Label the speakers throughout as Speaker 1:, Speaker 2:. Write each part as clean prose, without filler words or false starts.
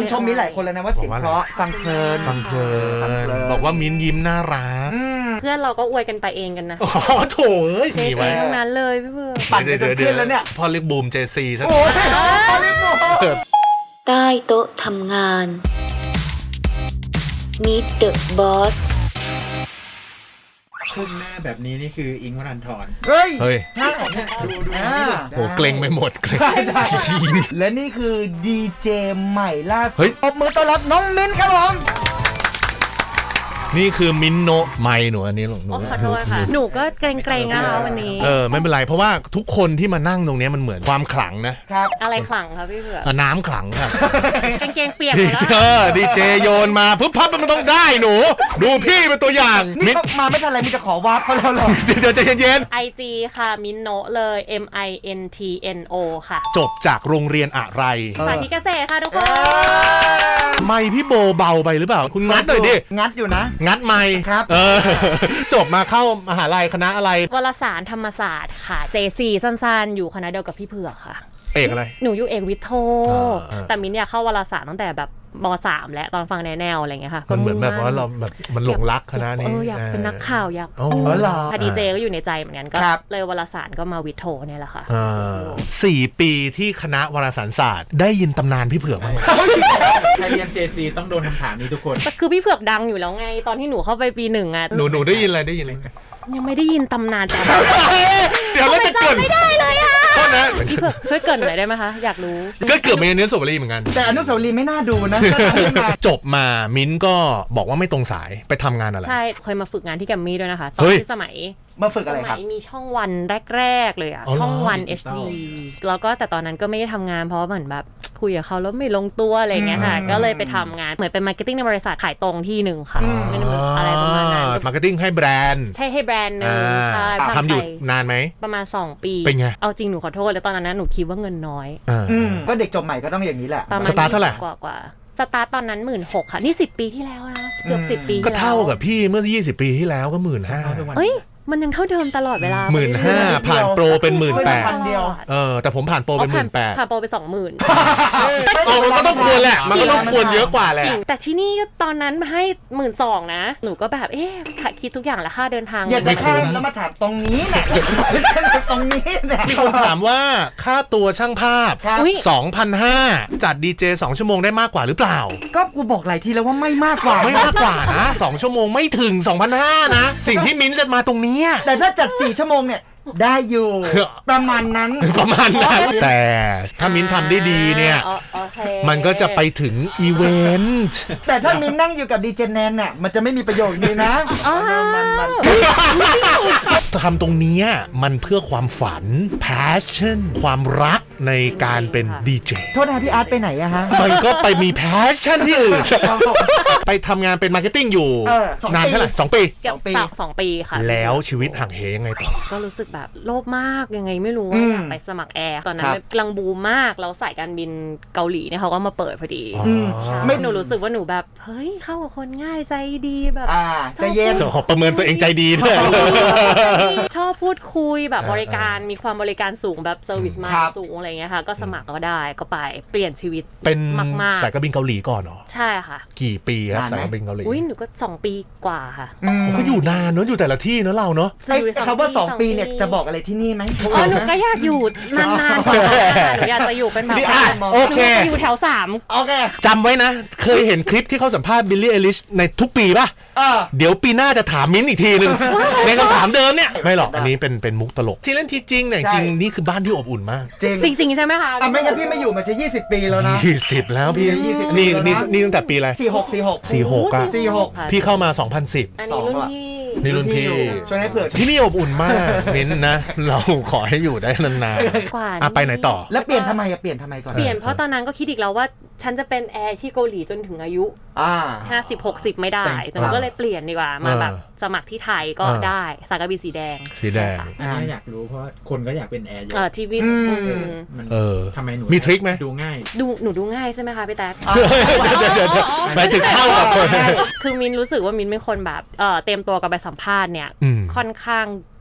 Speaker 1: ชมมิ้นหลายคนแล้วนะว่าเสียงเพราะฟังเพลิน
Speaker 2: บอกว่ามิ้นยิ้มน่ารัก
Speaker 3: เพื่อนเราก็อวยกันไปเองกันนะ
Speaker 2: อ๋อโถเอ้ย
Speaker 3: มีไว้ทั้งนั้นเลยพี่เพื่อน
Speaker 1: ปั่นไปจนขึ้นแล้วเนี่ย
Speaker 2: พอเรียกบูมเจซีท่าน
Speaker 1: โอ้ยพอเรียกบูม
Speaker 4: ใต้โต๊ะทำงาน Meet the Boss
Speaker 5: ขึ้นหน้าแบบนี้นี่คืออิงค์วรันธร
Speaker 1: เฮ้ย
Speaker 2: ใช่
Speaker 5: ดู
Speaker 2: โหเกรงไปหมดเกรง
Speaker 1: และนี่คือดีเจใหม่ล่าสุด
Speaker 2: เฮ้ย
Speaker 1: ปรบมือต้อนรับน้องมิ้นครับผม
Speaker 2: นี่คือมิ้นโนไมหนูอันนี้หนู
Speaker 3: ขอโทษค่ะหนูก็เกรงๆนะคะวันนี้
Speaker 2: ไม่เป็นไรเพราะว่าทุกคนที่มานั่งตรงนี้มันเหมือนความขลังนะครับ
Speaker 3: อะไรขลังครับพี่เผือก
Speaker 2: น้ำขลังครับ
Speaker 3: กางเกงเปียกแล้ว
Speaker 2: ดีเจโยนมาปุ๊บพับมันต้องได้หนูดูพี่เป็นตัวอย่าง
Speaker 1: นี่มาไม่ทันไรมีจะขอวาร์ปเขาแล้วหรอ
Speaker 2: เดี๋ยวใจเย็น
Speaker 3: ๆ IG ค่ะมินโนเลย MINTNO ค่ะ
Speaker 2: จบจากโรงเรียนอะไร
Speaker 3: สาธิตเกษตรค่ะทุกคน
Speaker 2: ไมพี่โบเบาไปหรือเปล่าคุณงัดหน่อยดิ
Speaker 1: งัดอยู่นะ
Speaker 2: งัดไม
Speaker 1: ครับ
Speaker 2: จบมาเข้ามหาลัยคณะอะไร
Speaker 3: วารสารธรรมศาสตร์ค่ะ JC สั้นๆอยู่คณะเดียวกับพี่เผือกค่ะ
Speaker 2: เอกอะไร
Speaker 3: หนูอยู่เอกวิทย์โทแต่มิ้นอยากเข้าวารสารตั้งแต่แบบม.3 แล้วตอนฟังแนวอะไรเงี้ยค่ะ
Speaker 2: มันเหมือนแบบว่าเราแบบมันหลงรักคณะนี้
Speaker 3: อยากเป็นนักข่าวอยากคดีเจก็อยู่ในใจเหมือนกันก็เลยวารสารก็มาวิทย์โทเนี่ยแหละค่ะ
Speaker 2: 4 ปีที่คณะวารสารศาสตร์ได้ยินตำนานพี่เผือกมั้ย
Speaker 5: ใครเรียน JC ต้องโดนคำถามนี้ทุกคน
Speaker 3: คือพี่เผือกดังอยู่แล้วไงตอนที่หนูเข้าไปปี 1อ่ะ
Speaker 2: หนูได้ยินอะไร
Speaker 3: ยังไม่ได้ยินตำนานจ้ะ
Speaker 2: เดี๋ยวเราจะเกิน
Speaker 3: ไม่ได้เลยอ่ะ
Speaker 2: โทษนะ
Speaker 3: พี่เผือกช่วยเกินหน่อยได้ไหมคะอยากรู้
Speaker 2: ก็เกือบมีอนุสาวรีย์เหมือนกัน
Speaker 1: แต่อนุสาวรีย์ไม่น่าดูนะ
Speaker 2: จบมามิ้นก็บอกว่าไม่ตรงสายไปทำงานอะไร
Speaker 3: ใช่เคยมาฝึกงานที่แกรมมี่ด้วยนะคะตอนที่สมัย
Speaker 1: มาฝึกอะไรครับ
Speaker 3: มีช่องวันแรกๆเลยอ่ะช่องวัน HD แล้วก็แต่ตอนนั้นก็ไม่ได้ทำงานเพราะเหมือนแบบคุยกับเขาแล้วไม่ลงตัวอะไรเงี้ยค่ะก็เลยไปทำงานเหมือนเป็นมาร์เก็ตติ้งในบริษัทขายตรงที่หนึ่งค่ะอะไรประมาณนั้น
Speaker 2: มาร์เก็ตติ้งให้แบรนด์
Speaker 3: ใช่ให้แบรนด์นึงใช่
Speaker 2: ทำอยู่นานไหม
Speaker 3: ประมาณ2 ปี
Speaker 2: เป็นไง
Speaker 3: เอาจริงหนูขอโทษเลยตอนนั้นหนูคิดว่าเงินน้อย
Speaker 1: ก็เด็กจบใหม่ก็ต้องอย่างนี้แหละ
Speaker 2: สตาร์ทเท่าไหร่
Speaker 3: กว่าสตาร์ทตอนนั้น 16,000 ค่ะนี่10 ปีที่แล้วนะเกือบ10 ปี
Speaker 2: ก็เท่ากับพี่เมื่อ20 ปีที่แล้วก็ 15,000
Speaker 3: เฮ้ยมันยังเท่าเดิมตลอดเวลา
Speaker 2: 15,000 ผ่านโปรเป็น 18,000แต่ผมผ่านโปรเป็น 18,000
Speaker 3: ผ่านโปรไป 20,000
Speaker 2: มันก็ต้องควรแหละมันก็ต้องควรเยอะกว่าแหละ
Speaker 3: แต่ที่นี่ตอนนั้นให้ 12,000 นะหนูก็แบบคิดทุกอย่างแล้วค่าเดินทาง
Speaker 1: อยากจะข้ามแล้วมาถามตรงนี้แหละตรงนี้แหละ
Speaker 2: มีคนถามว่าค่าตัวช่างภาพ 2,500 จัดดีเจ2 ชั่วโมงได้มากกว่าหรือเปล่า
Speaker 1: ก็กูบอกหลายทีแล้วว่าไม่มากกว่า
Speaker 2: นะ2 ชั่วโมงไม่ถึง 2,500 นะสิ่งที่มิ้นจะมาตรงนี้
Speaker 1: แต่ถ้าจัด4 ชั่วโมงเนี่ยได้อยู่ประมาณนั้น
Speaker 2: แต่ถ้ามิ้นทำได้ดีเนี่ยมันก็จะไปถึงอีเวนต์
Speaker 1: แต่ถ้ามิ้นนั่งอยู่กับดีเจแนนเนี่ยมันจะไม่มีประโยชน์เลยนะ
Speaker 2: ทำตรงนี้มันเพื่อความฝัน passion ความรักในการเป็นดีเจ
Speaker 1: โทษนะพี่อาร์ตไปไหนอะฮะ
Speaker 2: มันก็ไปมี passion ที่อื่นไปทำงานเป็นมาร์เก็ตติ้งอยู่นานเท่าไหร่2 ปี
Speaker 3: 2 ปีค่ะ
Speaker 2: แล้วชีวิตห่างเหยังไงต่อ
Speaker 3: ก็รู้สึกแบบโลภมากยังไงไม่รู้ว่าอยากไปสมัครแอร์ตอนนั้นกำลังบูมมากแล้วสายการบินเกาหลีเนี่ยเขาก็มาเปิดพอดีไม่หนูรู้สึกว่าหนูแบบเฮ้ยเข้ากับคนง่ายใจดีแบบ
Speaker 1: ใจเย็น
Speaker 2: ขอประเมินตัวเองใจดีด้วย
Speaker 3: ชอบพูดคุยแบบบริการมีความบริการสูงแบบเซอร์วิสมาสูงอะไรเงี้ยค่ะก็สมัครก็ได้ก็ไปเปลี่ยนชีวิต
Speaker 2: เป็นสายการบินเกาหลีก่อนเหรอ
Speaker 3: ใช่ค่ะ
Speaker 2: กี่ปีครับสายการบินเกาหลี
Speaker 3: หนูก็2 ปีกว่าค่ะ
Speaker 2: ก็อยู่นานเนอะอยู่แต่ละที่เนอะเราเนาะ
Speaker 1: เขาว่า2 ปีเนี่ยจะบอกอะไรที่นี่ไหม
Speaker 3: หนูก็อยากอยู่นานๆกว่าหนูอยากจะอยู่เป็นแบบ
Speaker 2: โอเค
Speaker 3: อยู่แถว3
Speaker 1: โอเค
Speaker 2: จำไว้นะเคยเห็นคลิปที่เขาสัมภาษณ์บิลลี่เอลิชในทุกปีป่ะเดี๋ยวปีหน้าจะถามมิ้นอีกทีนึงในคำถามเดิมเนี่ยไม่หรอกอันนี้เป็นมุกตลกที่เล่นที่จริงเนี่ยจริงนี่คือบ้านที่อบอุ่นมาก
Speaker 3: จริงใช่ไหมคะ
Speaker 1: ไม่งั้นพี่ไม่อยู่มาจะ20 ปีแล้วนะ
Speaker 2: 20แล้วพี่นี่ตั้งแต่ปีอะไร46อ่ะพี่เข้ามา2010
Speaker 3: อันนี้รุ่
Speaker 2: นพี่
Speaker 1: ช่วยให้เผื่อ
Speaker 2: ที่นี่อบอุ่นมากมิ้นนะเราขอให้อยู่ได้นานๆไปไหนต่อ
Speaker 1: แล้วเปลี่ยนทำไมก่อน
Speaker 3: เปลี่ยนเพราะตอนนั้นก็คิดอีกแล้วว่าฉันจะเป็นแอร์ที่เกาหลีจนถึงอายุ50-60ไม่ได้แต่ก็เลยเปลี่ยนดีกว่ามาแบบสมัครที่ไทยก็ได้สายการบินสีแดง
Speaker 5: อันนี้อยากรู้เพราะคนก็อยากเป็นแอร์เยอะ
Speaker 3: ทีวี
Speaker 5: ทำไมหนู
Speaker 2: มีทริคไหม
Speaker 5: ดูง่าย
Speaker 3: หนูดูง่ายใช่ไหมคะพี่แต๊ก
Speaker 2: หมายถึงเข้ากับคน
Speaker 3: คือมินรู้สึกว่ามินเป็นคนแบบเตรียมตัวกับไปสัมภาษณ์เนี่ยค่อนข้าง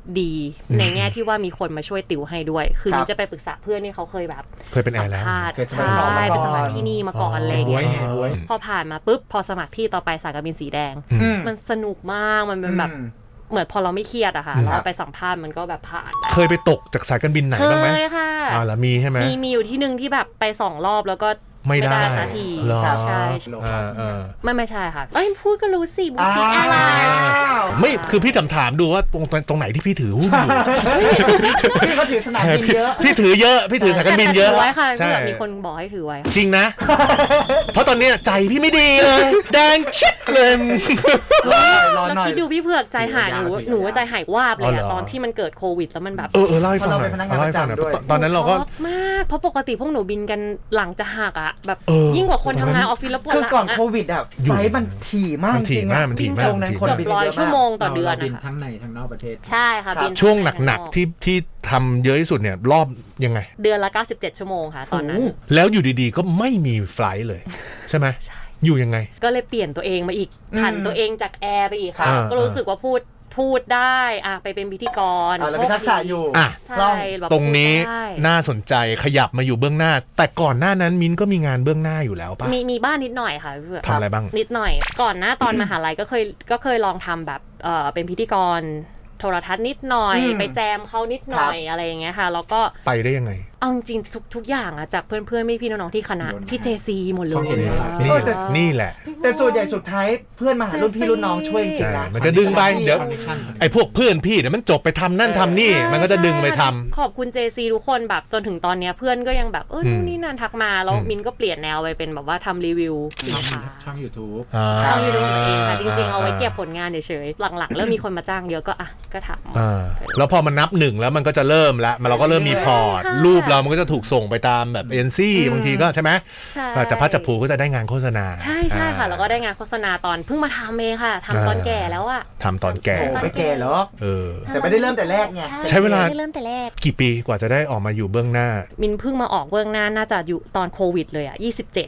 Speaker 3: ดีในแง่ที่ว่ามีคนมาช่วยติวให้ด้วยคือมิ้นจะไปปรึกษาเพื่อนที่เขาเคยแบบ
Speaker 2: เป็นแอร์แล้ว
Speaker 3: ใช่เป็นสมัครที่นี่มาก่อนอะไรเงี้ยพอผ่านมาปุ๊บพอสมัครที่ต่อไปสายการบินสีแดงมันสนุกมากมันเป็นแบบเหมือนพอเราไม่เครียดอะค่ะเราไปสัมภาษณ์มันก็แบบผ่าน
Speaker 2: เคยไปตกจากสายการบินไหนบ้างไหม
Speaker 3: เคยค่ะ
Speaker 2: แล้วมีใช่ไหม
Speaker 3: มีอยู่ที่นึงที่แบบไป2 รอบแล้วก็
Speaker 2: ไม่ได้
Speaker 3: สักที
Speaker 2: ใช่
Speaker 3: ไม่ใช่ค่ะพูดก็รู้สิบูติกอะไร
Speaker 2: ไม่คือพี่ถามดูว่าตรงไหนที่พี่ถือหุ้นอยู่
Speaker 1: พี่เขาถือสนามบินเยอะ
Speaker 2: พี่ถือเยอะพี่ถือสายการบินเยอะ
Speaker 3: ไว้ค่ะเพื่อมีคนบอกให้ถือไว้
Speaker 2: จริงนะเพราะตอนนี้ใจพี่ไม่ดีเลยแดงชิดเลย
Speaker 3: เราคิดดูพี่เผือกใจหายหนูว่าใจหายวาบเลยอะตอนที่มันเกิดโควิดแล้วมันแบบ
Speaker 2: เล่าให้ฟังหน่อยเล่าให้ฟังหน่อยตอนนั้นเราก็
Speaker 3: มากเพราะปกติพวกหนูบินกันหลังจะหักอะแบบยิ่งกว่าคนทำงานออฟฟิศแล้วปวดหลัง
Speaker 1: คือก่อนโควิดอะไฟมันถี่มากจริง
Speaker 2: ๆมันถี่มาก
Speaker 3: เกือบ100 ชั่วโมงต่อเดือน
Speaker 5: บินทั้งในทั้งนอกประเทศ
Speaker 3: ใช่ค่ะบิน
Speaker 2: ช่วงหนักๆที่ทำเยอะที่สุดเนี่ยรอบยังไง
Speaker 3: เดือนละ97 ชั่วโมงค่ะตอนนั้น
Speaker 2: แล้วอยู่ดีๆก็ไม่มีไฟล์เลยใช่ไหมอยู่ยังไง
Speaker 3: ก็เลยเปลี่ยนตัวเองมาอีกผันตัวเองจากแอร์ไปอีกค่ะก็รู้สึกว่าพูดได้ไปเป็นพิธีกร
Speaker 1: แล้วมีทักษะอยู่
Speaker 3: ใช่
Speaker 2: ตรงนี้น่าสนใจขยับมาอยู่เบื้องหน้าแต่ก่อนหน้านั้นมิ้นก็มีงานเบื้องหน้าอยู่แล้วป่ะ
Speaker 3: มีบ้านนิดหน่อยค่ะ
Speaker 2: ทำอะไรบ้าง
Speaker 3: นิดหน่อยก่อนหน้าตอนมหาลัยก็เคยลองทำแบบเป็นพิธีกรโทรทัศน์นิดหน่อยไปแจมเขานิดหน่อยอะไรอย่างเงี้ยค่ะแล้วก็
Speaker 2: ไปได้ยังไง
Speaker 3: เอาจริงทุกอย่างอะจากเพื่อนพี่น้องๆที่คณะที่ JC หมดเลย
Speaker 2: นี่แหละ
Speaker 1: แต่ส่วนใหญ่สุดท้ายเพื่อนมาหารุ่นพี่รุ่นน้องช่วยจริงนะ
Speaker 2: มันจะดึงไปเดี๋ยวไอ้พวกเพื่อนพี่เดี๋ยวมันจบไปทำนั่นทำนี่มันก็จะดึงไปทำ
Speaker 3: ขอบคุณ JC ทุกคนแบบจนถึงตอนนี้เพื่อนก็ยังแบบนู่นนี่นั่นทักมาแล้วมินก็เปลี่ยนแนวไปเป็นแบบว่าทำรีวิวสินค้า
Speaker 5: ช่อง YouTube
Speaker 3: ช่อง YouTube เองค่ะจริงๆเอาไว้เก็บผลงานเฉยๆหลังๆเริ่มมีคนมาจ้างเยอะก็ทำ
Speaker 2: แล้วพอมันนับ1แล้วมันก็จะเริ่มแล้วเราก็เริ่มมีพอร์ตรูปเรามันก็จะถูกส่งไปตามแบบเอ็นซี่บางทีก็ใช่ไหมจะพัดจะผูก็จะได้งานโฆษณา
Speaker 3: ใช่ค่ะแล้วก็ได้งานโฆษณาตอนเพิ่งมาทำเองค่ะทำตอนแก่แล้วอะ
Speaker 2: ทำตอนแก่
Speaker 1: ไม่แก่หรอกแต่ไม่ได้เริ่มแต่แรกไง
Speaker 2: ใช้เวลากี่ปีกว่าจะได้ออกมาอยู่เบื้องหน้า
Speaker 3: มินเพิ่งมาออกเบื้องหน้าน่าจะอยู่ตอนโควิดเลยอะ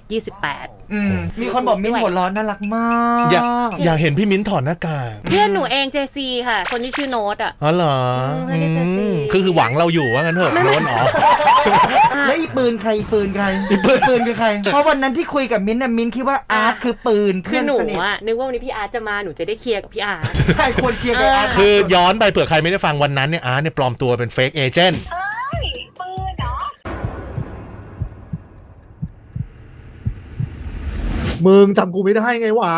Speaker 3: 27-28
Speaker 1: มีคนบอกมิ้นหัวร้อนน่ารักมาก
Speaker 2: อยากเห็นพี่มิ้นถอดหน้ากาก
Speaker 3: เพื่อนหนูเอง JC ค่ะคนที่ชื่อโน้ตอะ
Speaker 2: อ๋อเหรอคือหวังเราอยู่ว่างั้นเถอะโน้ตอ๋อ
Speaker 1: แล้วอีปืนใครปืนคือใครเพราะวันนั้นที่คุยกับมิ้นท์มิ้นท์คิดว่าอาร์ตคือปืน
Speaker 3: คือหนูอะนึกว่าวันนี้พี่อาร์ตจะมาหนูจะได้เคลียร์กับพี่อาร์ต
Speaker 1: ใช่ควรเคลียร์กับอาร์ต
Speaker 2: คือย้อนไปเผื่อใครไม่ได้ฟังวันนั้นเนี่ยอาร์ตเนี่ยปลอมตัวเป็นเฟกเอเจนต์
Speaker 6: มึงจำกูไม่ได้ไงวะ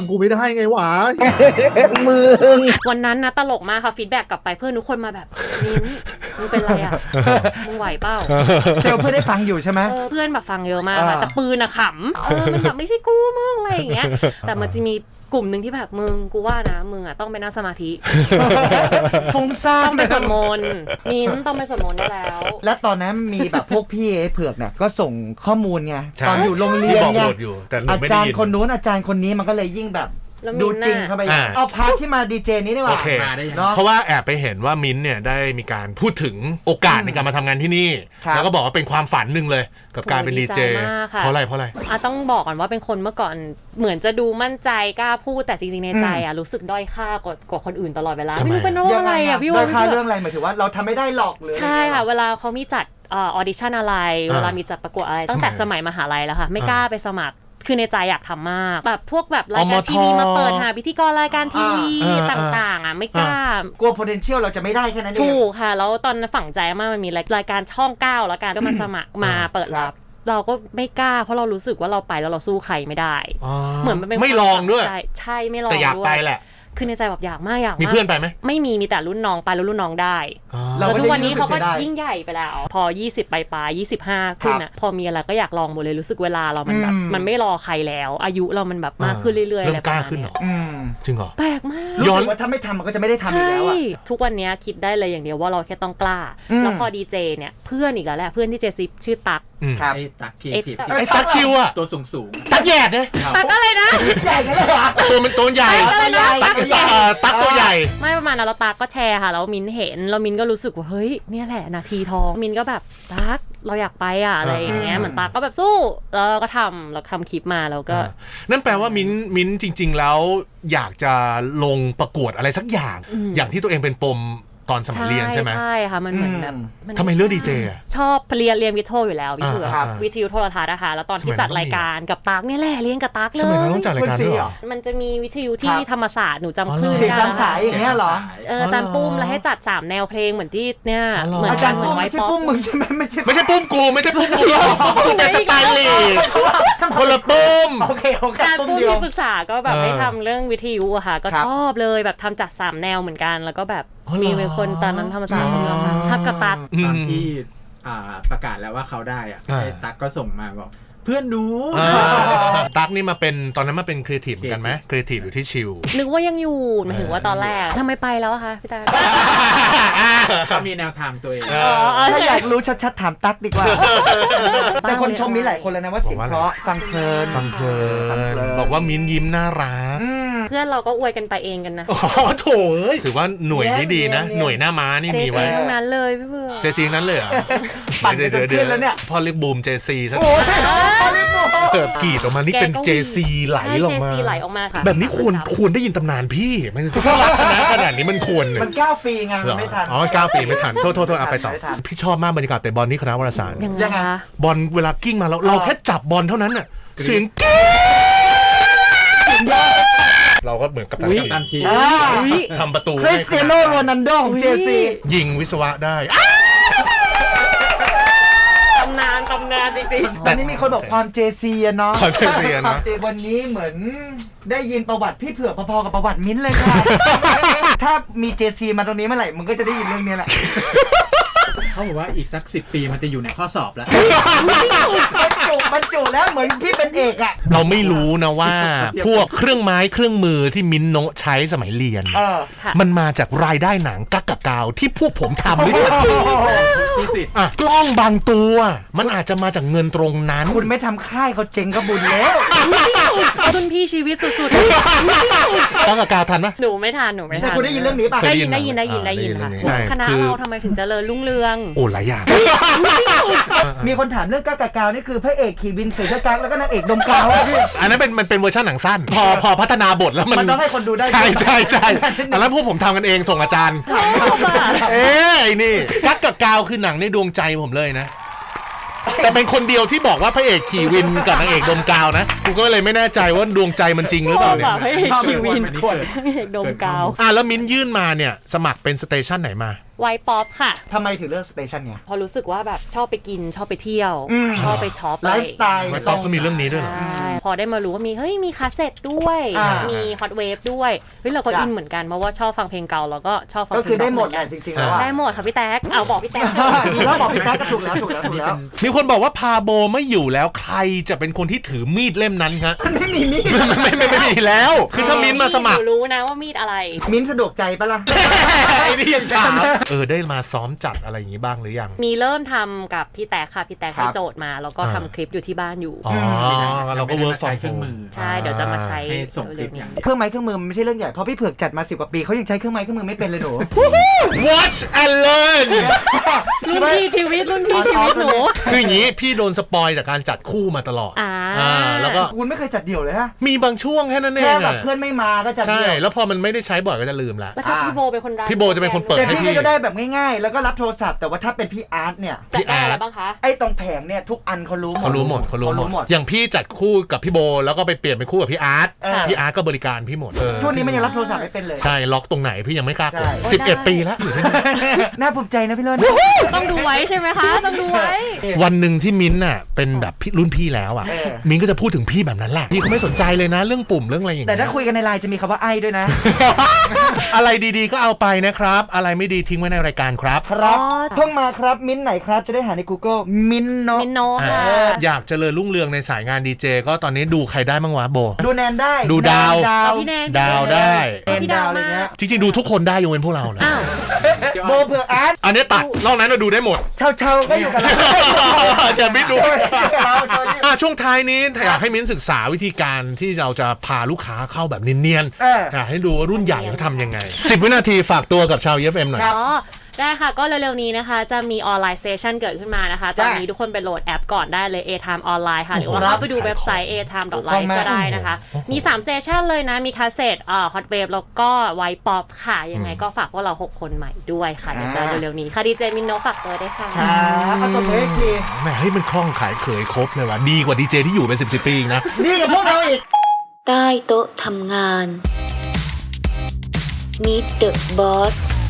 Speaker 6: มึง
Speaker 3: วันนั้นนะตลกมากค่ะฟีดแบ็กกลับไปเพื่อนทุกคนมาแบบมิ้นมึงเป็นไรอ่ะมึงไหวเปล่า
Speaker 1: เซลเพื่อนได้ฟังอยู่ใช่ไหม
Speaker 3: เพื่อนแบบฟังเยอะมากแต่ปืนอะขำมันแบบไม่ใช่กูมึงอะไรอย่างเงี้ยแต่มันจะมีกลุ่มหนึ่งที่แบบมึงกูว่านะมึงอ่ะต้องไปนั่งสมาธิ
Speaker 1: ฟุ้งซ่าน
Speaker 3: ต้องไปสวดมนต์มิ้นต้องไปสวดมนต์ได้แล้ว
Speaker 1: และตอนนั้นมีแบบพวกพี่เผือกเนี่ยก็ส่งข้อมูลไงตอนอยู่โรงเรียนไงอาจารย์คนนู้นอาจารย์คนนี้มันก็เลยยิ่งแบบดูจริงเข้าไปเอาพาร์ทที่มาดีเจนี้ดีกว่า
Speaker 2: เพราะว่าแอบไปเห็นว่ามิ้นเนี่ยได้มีการพูดถึงโอกาสในการมาทำงานที่นี่แล้วก็บอกว่าเป็นความฝันหนึ่งเลยกับการเป็นดีเจเพราะอะไร
Speaker 3: ต้องบอกก่อนว่าเป็นคนเมื่อก่อนเหมือนจะดูมั่นใจกล้าพูดแต่จริงๆในใจอ่ะรู้สึกด้อยค่ากว่าคนอื่นตลอดเวลาไม่รู้เป็นเพราะอะไรอ่ะพี่ว่า
Speaker 1: ด้อยค่าเรื่องอะไรหมายถึงว่าเราทำไม่ได้หรอกเลย
Speaker 3: ใช่ค่ะเวลาเขามีจัดออดิชั่นอะไรเวลามีจัดประกวดอะไรตั้งแต่สมัยมหาลัยแล้วค่ะไม่กล้าไปสมัครคือในใจอยากทำมากแบบพวกแบบรายการทีวีมาเปิดหาพิธีกรรายการทีวีต่างๆอ่ะไม่กล้าก
Speaker 1: ลัว potential เราจะไม่ได้แค่นั้นเอง
Speaker 3: ถูกค่ะแล้วตอนฝังใจมากมันมีรายการช่อง9แล้วกันก็มาสมัครมาเปิดรับเราก็ไม่กล้าเพราะเรารู้สึกว่าเราไปแล้วเราสู้ใครไม่ได้เหมือนมันเป็น
Speaker 2: ไม่ลองด้วย
Speaker 3: ใช่ไม่ลอง
Speaker 2: แต่อยากไปแหละ
Speaker 3: คือในใจแบบอยากมาก
Speaker 2: มีเพื่อนไปไหม
Speaker 3: ไม่มีแต่รุ่นน้องไปแล้วรุ่นน้องได้แล้วทุกวันนี้เขาก็ยิ่งใหญ่ไปแล้วพอ20ปลาย25ขึ้นอ่ะพอมีอะไรก็อยากลองหมดเลยรู้สึกเวลาเรามันแบบมันไม่รอใครแล้วอายุเรามันแบบมากขึ้นเรื่อยๆอะไร
Speaker 2: ประมาณนี้จริงเหรอ
Speaker 3: แปลกมาก
Speaker 1: ย้อนว่าถ้าไม่ทำมันก็จะไม่ได้ทำอีกแล้วอ่ะ
Speaker 3: ทุกวันนี้คิดได้เลยอย่างเดียวว่าเราแค่ต้องกล้าแล้วพอดีเจเนี่ยเพื่อนอีกแล้วแหละเพื่อนที่เจซิชื่อตั๊ก
Speaker 5: ครับไอ้ตั๊กพี่
Speaker 2: ไอ้ตั๊กชิวอ่ะ
Speaker 5: ตัวสูง
Speaker 2: ตั๊กแย่เนี่ย
Speaker 3: ตั๊กอะไรนะ
Speaker 1: ใหญ่กันเลยเหรอ
Speaker 2: ตัวมันตัวใหญ่ตั๊กตัวใหญ่
Speaker 3: ไม่ประมาณนั้นเราตาก็แชร์ค่ะแล้วมินเห็นเรามินก็รู้สึกว่าเฮ้ยเนี่ยแหละนาทีทองมินก็แบบตั๊กเราอยากไปอ่ะอะไรอย่างเงี้ยเหมือนตาก็แบบสู้แล้วเราก็ทำคลิปมาแล้วก็
Speaker 2: นั่นแปลว่ามินจริงๆแล้วอยากจะลงประกวดอะไรสักอย่างที่ตัวเองเป็นปมตอนสมัยเรียนใช่ไหม
Speaker 3: ใช่ค่ะมันเหมือนแบบน
Speaker 2: ทำไมเลือกดีเจอะ
Speaker 3: ชอบเรียนวิทย์โทอยู่แล้วพี่เผือก
Speaker 2: ครับ
Speaker 3: วิทยุโทรทัศน์นะคะแล้วตอนที่
Speaker 2: สมัยนั้น
Speaker 3: จัดรายการกับตั๊กเนี่ยแหละเรียนกับตั๊กเล
Speaker 2: สมัยนั้น
Speaker 3: ย
Speaker 2: ต้องจัดรายการด้วยเหรอ
Speaker 3: มันจะมีวิทยุที่
Speaker 1: ครับ
Speaker 3: ธรรมศาสตร์หนูจำคลื่น
Speaker 1: เสียง
Speaker 3: ได้
Speaker 1: ตามสายอย่างเงี้ยเหรอ
Speaker 3: อาจารย์ปุ้มแล้วให้จัด3แนวเพลงเหมือนที่เนี่ย
Speaker 2: อ๋อเหรอ
Speaker 3: เหมือน
Speaker 1: อาจารย์
Speaker 3: เหมื
Speaker 1: ปุ้
Speaker 3: อ
Speaker 1: ม
Speaker 3: นไว
Speaker 1: ไม่ใช่
Speaker 3: ป๊อป
Speaker 1: ปุ้มมึงใช่ไหมไม่ใช่
Speaker 2: ไม่ใช่ปุ้มกูไม่ใช่ปุ้มกูกูเป็นสไตลิสต์คนละปุ้ม
Speaker 1: โอเคโอเค
Speaker 3: อาจารย์
Speaker 1: ปุ้ม
Speaker 3: ปุ้ม
Speaker 1: เดียว
Speaker 3: ที่ปรึกษาก็แบบ
Speaker 2: เออ
Speaker 3: ให้ทำเรื่องวิทยุอะค่ะ ก็
Speaker 1: ครับ
Speaker 3: ชอบเลยแบบทำจัด3แนวเหมือนกัน แล้วก็แบบ
Speaker 2: อ๋อเหรอ
Speaker 3: มีคนตอนนั้นธรรมศาสตร์คนเดียวค่ะทับกับตั๊ก
Speaker 5: ตอนที่ประกาศแล้วว่าเขาได้อ่ะ
Speaker 2: อ่า
Speaker 5: ไอ้ตั๊กก็ส่งมาบอกเพื่อนหนู
Speaker 2: ตั๊กนี่มาเป็นตอนนั้นมาเป็นครีเอทีฟเหมือนกันไหมครีเอทีฟอยู่ที่ชิล
Speaker 3: นึกว่ายังอยู่หมายถึงว่าตอนแรกทำไมไปแล้วอะคะพี่ตา
Speaker 5: เขามีแนวทางตัวเอง
Speaker 1: ถ้าอยากรู้ชัดๆถามตั๊กดีกว่า แต่คนชมมีหลายคนแล้วนะว่าเสียงเพราะฟังเพลิน
Speaker 2: ฟังเพลินบอกว่ามิ้นยิ้มน่ารัก
Speaker 3: เพื่อนเราก็อวยกันไปเองกันนะ
Speaker 2: โอ้โถเอ้ยถือว่าหน่วยนี้ดีนะ หน่วยหน้าม้านี่
Speaker 3: เจ
Speaker 2: มี
Speaker 3: ซี
Speaker 2: ไว้
Speaker 3: ทั้งนั้นเลยพี่เบื่อ
Speaker 2: เจซีนั้นเลยเหรอ
Speaker 1: ปั่นกันจนขึ้นแล้วเนี่ย
Speaker 2: พ่อเรียกบูมเจซีซะ
Speaker 1: โอ้ยเขาเรียกโม
Speaker 2: กรีดออกมานี่เป็นเจซีไหลออกมา
Speaker 3: เจซีไหลออกมาค่ะ
Speaker 2: แบบนี้ควรได้ยินตำนานพี่ มันถ้ารักคณะขนาดนี้มันควรเนี่ย
Speaker 1: มัน9 ปีไงมันไม่ทัน
Speaker 2: อ๋อ9 ปีไม่ทันโทษเอาไปต่อ
Speaker 1: ไม่ทัน
Speaker 2: พี่ชอบมากบรรยากาศแต่บอลนี่คณะวารสาร
Speaker 3: ยังไง
Speaker 1: ยังไง
Speaker 3: คะ
Speaker 2: บอลเวลากิ้งมาเราแค่จับบอลเท่านั้นน่ะเสียงกิ้งเราก็เหมือนกับ
Speaker 5: อุ๊ยกัปตันทีม
Speaker 2: ทำประตู
Speaker 1: คริสเตียโนโรนัลโดของเจซี
Speaker 2: ยิงวิศวะได้
Speaker 3: ตำนานจริง
Speaker 1: ตอนนี้มีคนบอกความเจซีอะเนาะ
Speaker 2: ความ JC อะเนาะ
Speaker 1: ความ JC วันนี้เหมือนได้ยินประวัติพี่เผือกพอๆกับประวัติมิ้นท์เลยค่ะ ถ้ามีเจซีมาตรงนี้เมื่อไหร่มึงก็จะได้ยินเรื่องนี้แหละ
Speaker 5: เขาบอกว่าอีกสัก10 ปีมันจะอยู่ในข้อสอบแล้ว
Speaker 1: บรรจุแล้วเหมือนพี่เป็นเอกอะ
Speaker 2: เราไม่รู้นะว่า พวกเครื่องไม้เครื่องมือที่มิ้นท์โนะใช้สมัยเรียน
Speaker 3: ค่ะ
Speaker 2: มันมาจากรายได้หนังกักกับกาวที่พวกผมทำหรือเปล่า
Speaker 5: มีสิทธิ์
Speaker 2: อ่ะกล้องบางตัวมันอาจจะมาจากเงินตรงนั้น
Speaker 1: คุณไม่ทำค่ายเขาเจ๊งก็บุญแล้ว
Speaker 3: รุ่นพี่ชีวิตสุด
Speaker 2: กักกับกาวทันปะ
Speaker 3: ๆ หนูไม่ทัน
Speaker 1: แต่คุณได้ยินเรื่องนี้ป่ะ
Speaker 3: ได้ยิน
Speaker 2: เคยได้ยิน
Speaker 3: ได้ยิน
Speaker 2: เรื่
Speaker 3: ค่ะ
Speaker 2: องนี้ใช่
Speaker 3: คณะ
Speaker 2: คือ
Speaker 3: เราทำไมถึงเจริญรุ่งเรือง
Speaker 2: โอ้หลายอย่าง
Speaker 1: มีคนถามเรื่องก้ากากาวนี่คือพระเอกขี่วินใส่เสื้อกั๊กแล้วก็นางเอกดมกาวอะพี่
Speaker 2: อันนั้นมันเป็นเวอร์ชันหนังสั้น พอพัฒนาบทแล้วมัน
Speaker 1: มันต้องให้คนดูได้
Speaker 2: ใช่อันนั้นพวกผมทำกันเองส่งอาจารย์ เอ๊ะไอ้นี่กักกับกาวคือหนังในดวงใจผมเลยนะ แต่เป็นคนเดียวที่บอกว่าพระเอกขี่วินกับนางเอกดมกาวนะกูก็เลยไม่แน่ใจว่าดวงใจมันจริงหรือเปล่าเนี่ย
Speaker 3: พระเอกคิววินพระเอกดมกาว
Speaker 2: แล้วมิ้นยื่นมาเนี่ยสมัครเป็นสเตชันไหนมา
Speaker 3: ไวป๊อปค่ะ
Speaker 1: ทำไมถึงเลือกสเตชันเนี่ย
Speaker 3: พอรู้สึกว่าแบบชอบไปกินชอบไปเที่ยว
Speaker 1: อืม
Speaker 3: ชอบไปช็อป
Speaker 1: ไลฟ์สไตล์
Speaker 2: ไวป๊อปก็มีเรื่องนี้ด้วยเหรอ
Speaker 3: ใช่พอได้มารู้ว่ามีคาสเซ็ตด้วย มีฮอตเวฟด้วยเฮ้ยเราก็
Speaker 1: จ้ะ
Speaker 3: อินเหมือนกันเพราะว่าชอบฟังเพลงเก่าแล้วก็ชอบฟัง
Speaker 1: ก็
Speaker 3: เพลง
Speaker 1: คือได้หมด
Speaker 3: เห
Speaker 1: แห
Speaker 3: มื
Speaker 1: ละ
Speaker 3: อน
Speaker 1: จ
Speaker 3: กัน
Speaker 1: ริงๆแล้วอะ
Speaker 3: ได้หมดค่ะพี่แท็กเอาบอกพี่แท็กสิ
Speaker 1: ดีแล้วบอกพี่แท็กก็ถูกแล้วถูกแล้ว
Speaker 2: มีคนบอกว่าพาโบไม่อยู่แล้วใครจะเป็นคนที่ถือมีดเล่มนั้นฮะ
Speaker 1: ไม่มีนี่
Speaker 2: ไม่มีแล้ว คือถ้ามิ้นมาสมัคร
Speaker 3: หนูรู้นะว่ามีดอะไร
Speaker 1: มิ้นท์สะดวกใจปะล่ะ
Speaker 2: ไอ้นี่ยังถามได้มาซ้อมจัดอะไรอย่างนี้บ้างหรือยัง
Speaker 3: มีเริ่มทำกับพี่แท็กค่ะพี่แท็ก
Speaker 1: ครับ
Speaker 3: ให้โจทย์มาแล้วก็ทำคลิปอยู่ที่บ้านอยู่
Speaker 2: อ๋อเราก็เวิร์กฟอร์ม
Speaker 5: เครื่องมือ
Speaker 3: ใช่เดี๋ยวจะมาใช้
Speaker 5: ให้ส่งคลิปอย่างเดียว
Speaker 1: เครื่องไม้เครื่องมือมันไม่ใช่เรื่องใหญ่เพราะพี่เผือกจัดมา10 กว่าปีเขายังใช้เครื่องไม้เครื่องมือไม่เป็นเลยหนู
Speaker 2: Watch and learn
Speaker 3: รุ่นพี่ชีวิตรุ่นพี่ชีวิตหนู
Speaker 2: คืออย่างนี้พี่โดนสปอยจากการจัดคู่มาตลอด แล้วก็
Speaker 1: คุณไม่เคยจัดเดี่ยวเลยฮะ
Speaker 2: มีบางช่วงแค่นั้นเอ
Speaker 1: แค่
Speaker 2: ง
Speaker 1: แบบ
Speaker 2: อะ
Speaker 1: เพื่อนไม่มาก็จัด
Speaker 2: ใช่
Speaker 1: เดี่ยว
Speaker 2: แล้วพอมันไม่ได้ใช้บ่อยก็จะลืมละ
Speaker 3: แล้วก็พี่โบเป็นคนรัน
Speaker 2: พี่โบจะเป็นคนเปิด
Speaker 1: แต่พี่ก็จะได้แบบง่ายๆ แล้วก็รับโทรศัพท์แต่ว่าถ้าเป็นพี่อาร์ตเนี่ย
Speaker 3: แต่ได้อะไรบ้างคะ
Speaker 1: ไอ้ตรงแผงเนี่ยทุกอันเขารู้หมด
Speaker 2: เขารู้หมดอย่างพี่จัดคู่กับพี่โบแล้วก็ไปเปลี่ยนเป็นคู่กับพี่อาร์ต
Speaker 1: เออ
Speaker 2: พี่อาร์ตก็บริการพี่หมด
Speaker 1: ช่วงนี้มันยังรับโทรศัพท์ไม่เป็นเลย
Speaker 2: ใช่ล็อกตรงไหนพี่ยังไม่กล้ากด
Speaker 1: ใช่
Speaker 2: 11 ปีแล้วอยู่ที่นี่
Speaker 1: น่าภูมิใจนะพี่เลิศ
Speaker 3: ต้องดูไว้ใช่ไหมคะ ต้องดูไว้
Speaker 2: วันหนึ่งที่มิ้นท์น่ะเป็นแบบพี่รุ่นพี่แล้วอ่ะ
Speaker 1: เออ
Speaker 2: มิ้นท์ก็จะพูดถึงพี่แบบนั้นแหละพี่เขาไม่สนใจเลยนะเรื่องปุ่มเรื่องอะไรอย่าง
Speaker 1: แต่
Speaker 2: เงี้ย
Speaker 1: ถ้าคุยกันในไลน์จะมีคำว่าไอ้ด้วยนะ
Speaker 2: อะไรดีๆก็เอาไปนะครับ อะไรไม่ดีทิ้งไว้ในรายการครับ
Speaker 1: ครับ
Speaker 3: อ๋อ
Speaker 1: เพิ่งมาครับมิ้นท์ไหนครับจะได้หาใน Google มิ้นท์เนาะ
Speaker 3: มินโนค่ะ
Speaker 2: อยากเจริญรุ่งเรืองในสายงานดีเจก็ตอนนี้ดูใครได้บ้างวะโบ
Speaker 1: ดูแนนได้
Speaker 2: ดูดาว
Speaker 1: ดาว
Speaker 3: พี่แนน
Speaker 2: ดาวได้
Speaker 3: พี่ดาว
Speaker 1: อะไร
Speaker 3: มา
Speaker 1: เงี้ย
Speaker 2: จริงๆดูทุกคนได้ยกเว้นพวกเรานะ
Speaker 3: อ้าว
Speaker 1: โบเผือกอาร์ต
Speaker 2: อันนี้ตัดนอกนั้นเราดูได้หมด
Speaker 1: เชาก็อยู่กับเรา
Speaker 2: จะไม่ดู
Speaker 1: เรา
Speaker 2: ช่วงท้ายนี้อยากให้มิ้นศึกษาวิธีการที่เราจะพาลูกค้าเข้าแบบเนียน
Speaker 1: เออ
Speaker 2: ๆอยากให้ดูว่ารุ่นใหญ่เขาทำยังไง10 วินาทีฝากตัวกับชาว EFM หน่อย
Speaker 3: อ๋อได้ค่ะก็เร็วๆนี้นะคะจะมีออนไลน์เซสชั่นเกิดขึ้นมานะคะตอนนี้ทุกคนไปโหลดแอปก่อนได้เลย A-Time ออนไลน์ค่ะหรือว่าเข้าไปดูเว็บไซต์ atime.live ก็ได้นะคะมี3เซสชั่นเลยนะมีคาสเซ็ตฮอตเวฟแล้วก็ไวป๊อปค่ะยังไงก็ฝากพวกเรา6คนใหม่ด้วยค่ะเดี๋ยวจะเร็วๆนี้ค่ะดีเจมินโนฝากตัวด้วยค่ะ
Speaker 1: เอาตัวเลขที
Speaker 2: แหมให้มันคล่องขายเขยครบเลยว่ะดีกว่าดีเจที่อยู่เป็น10 ปีอีกนะ
Speaker 1: ดีกับพวกเราอีก
Speaker 4: ใต้โต๊ะทำงาน Meet the Boss